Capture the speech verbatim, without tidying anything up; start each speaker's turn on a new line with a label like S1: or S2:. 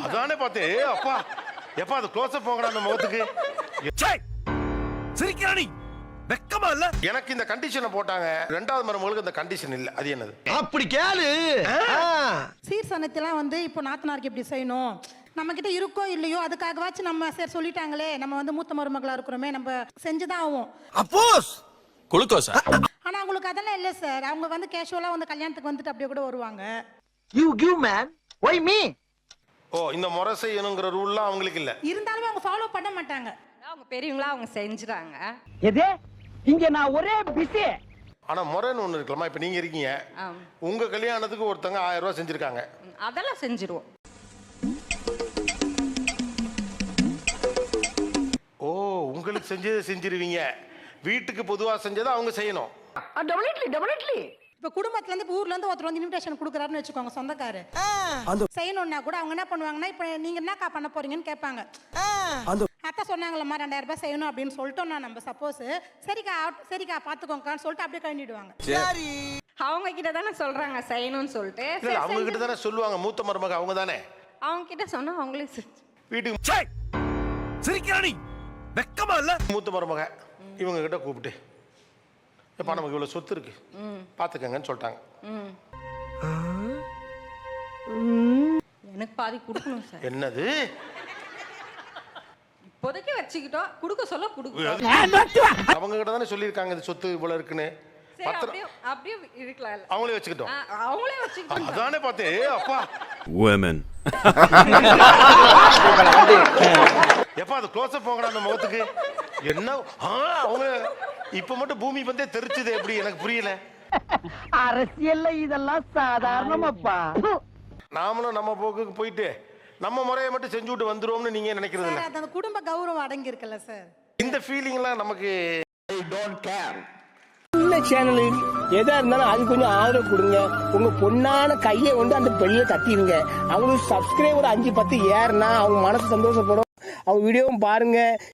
S1: அதானே பார்த்தே அப்பா எப்பா அது க்ளோஸ் அப் போங்கடா அந்த முகத்துக்கு.
S2: சிரிக்கிறானி வெக்கமா இல்ல?
S1: எனக்கு இந்த கண்டிஷனை போட்டாங்க, ரெண்டாவது மருமகளுக்கு இந்த கண்டிஷன் இல்ல. அது என்னது?
S3: அப்படி கேளு.
S4: சீர்சனத்தெல்லாம் வந்து இப்போ நாத்தனாருக்கு இப்படி செய்யணும், நம்ம கிட்ட இருக்கோ இல்லையோ அதுக்காகவாச்சும் நம்ம சரி சொல்லிட்டாங்களே, நம்ம வந்து மூத்த மருமகளா இருக்கிறோமே, நம்ம செஞ்சுதான் ஆகும்.
S2: அப்போஸ் குளுக்கோஸா?
S4: ஆனா அவங்களுக்கு அதெல்லாம் இல்ல சார். அவங்க வந்து கேஷுவலா வந்து கல்யாணத்துக்கு வந்துட்டு அப்படியே கூட வருவாங்க.
S3: You give man. Why me?
S1: ஓ இந்த முறை செய்யணுங்கிற ரூல்லாம் அவங்களுக்கு இல்ல.
S4: இருந்தாலுமே அவங்க ஃபாலோ பண்ண மாட்டாங்க.
S5: அவங்க பெரியவங்களா அவங்க செஞ்சுறாங்க.
S3: எது? இங்க நான் ஒரே பிஸி.
S1: ஆனா முறைன்னு ஒண்ணு இருக்கலாமா? இப்ப நீங்க இருக்கீங்க, உங்க கல்யாணத்துக்கு ஒருத்தங்க ஆயிரம் ரூபாய் செஞ்சிருக்காங்க,
S5: அதெல்லாம் செஞ்சிருவோம்.
S1: ஓ உங்களுக்கு செஞ்சதை செஞ்சிருவீங்க, வீட்டுக்கு பொதுவா செஞ்சதை அவங்க செய்யணும்.
S3: Definitely definitely.
S4: இப்ப குடும்பத்துல இருந்து இப்ப ஊர்ல இருந்து ஒருத்தர் வந்து இன்விடேஷன் கொடுக்குறாருன்னு வச்சுக்கோங்க, சொந்தக்காரு செய்யணும்னா கூட அவங்க என்ன பண்ணுவாங்கன்னா, இப்ப நீங்க என்னக்கா பண்ண போறீங்கன்னு கேட்பாங்க. அத்தை சொன்னாங்களம்மா ரெண்டாயிரம் ரூபாய் செய்யணும் அப்படின்னு சொல்லிட்டோம்னா நம்ம சப்போஸ் சரிக்கா சரிக்கா பாத்துக்கோங்கன்னு சொல்லிட்டு அப்படியே கழண்டிடுவாங்க.
S5: அவங்க கிட்ட தானே சொல்றாங்க செய்யணும்னு சொல்லிட்டு.
S1: இல்ல அவங்க கிட்ட தானே சொல்லுவாங்க, மூத்த மருமக அவங்க தானே.
S5: அவங்க கிட்ட சொன்னா அவங்களே
S1: வீட்டுக்கு
S2: சிரிக்கிறானி வெக்கமா இல்ல?
S1: மூத்த மருமக இவங்க கிட்ட கூப்பிட்டு எப்பா நமக்கு இவ்வளவு சொத்து இருக்கு பாத்துக்கங்கன்னு சொல்லிட்டாங்க.
S5: எனக்கு பாதி கொடுக்கணும் சார்.
S1: என்னது?
S5: இப்போதைக்கு வச்சுக்கிட்டோம், கொடுக்க சொல்ல கொடுக்கணும்.
S1: அவங்க கிட்ட தானே சொல்லியிருக்காங்க இது சொத்து இவ்வளவு இருக்குன்னு.
S5: அப்படியே அப்படியே இருக்கலாம்.
S1: அவங்களே வச்சுக்கிட்டோம்.
S5: அவங்களே வச்சுக்கிட்டோம்.
S1: அதானே பார்த்தே அப்பா
S2: women.
S1: எப்பா அது க்ளோஸ் அப் போங்கடா அந்த முகத்துக்கு. என்ன அவங்க இப்ப மட்டும் பூமி பந்தே தெரிச்சுது எப்படி எனக்கு புரியல.
S3: அரசியல்ல இதெல்லாம் சாதாரணமாப்பா.
S1: நாமளும் நம்ம போக்குக்கு போயிட்டு நம்ம முறையை மட்டும் செஞ்சு விட்டு வந்துருவோம்னு நீங்க நினைக்கிறது இல்ல.
S4: அந்த குடும்ப கௌரவம் அடங்கி இருக்குல்ல சார்.
S1: இந்த ஃபீலிங்லாம் நமக்கு
S3: ஐ டோன்ட் கேர். இந்த சேனலில் எதா இருந்தாலும் அது கொஞ்சம் ஆதரவு கொடுங்க. உங்க பொண்ணான கையை கொண்டு அந்த பெண்ணில தட்டிடுங்க. அவங்களுக்கு சப்ஸ்கிரைபர் அஞ்சு பத்து ஏறுனா அவங்க மனசு சந்தோஷப்படும். அவங்க வீடியோவும் பாருங்க.